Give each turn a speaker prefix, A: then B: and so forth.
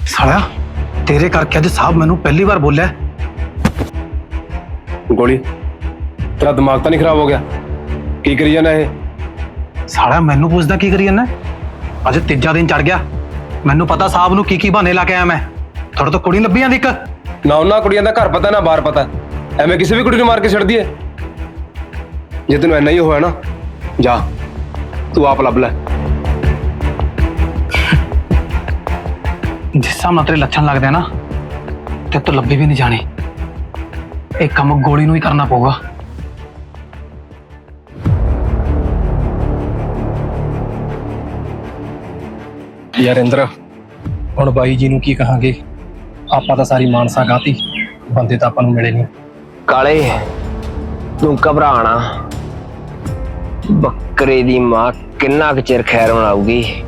A: साला तेरे करके अज साहब मैनू पहली बार बोलिया।
B: गोली तेरा दिमाग तो नहीं खराब हो गया? की करी जाना है?
A: साला मैनू पूछदा की करी जाना? अज तीजा दिन चढ़ गया। मैनू पता साहब नू की बहाने ला के आया मैं। थोड़ा तो कुड़ी लभी आंदी एक
B: ना उन्होंने कुड़ियां का घर पता ना बाहर पता, एवं किसी भी कुड़ी मार के छड़ दिए। जे तेन इना ही होया ना, जा तू आप लभ लै।
A: जिस हिसाब नाल तेरे लक्षण लगदे ना, ते तो लब्भी भी नहीं जानी। एक काम गोली नू ही करना पऊगा।
C: यार इंद्र हुण बाई जी नू की कहांगे? आपां तां सारी मानसा गाती, बंदे तां आपां नू मिले नहीं।
D: काले तू घबराना, बकरे दी मां किन्ना क चिर खैर मनाऊगी।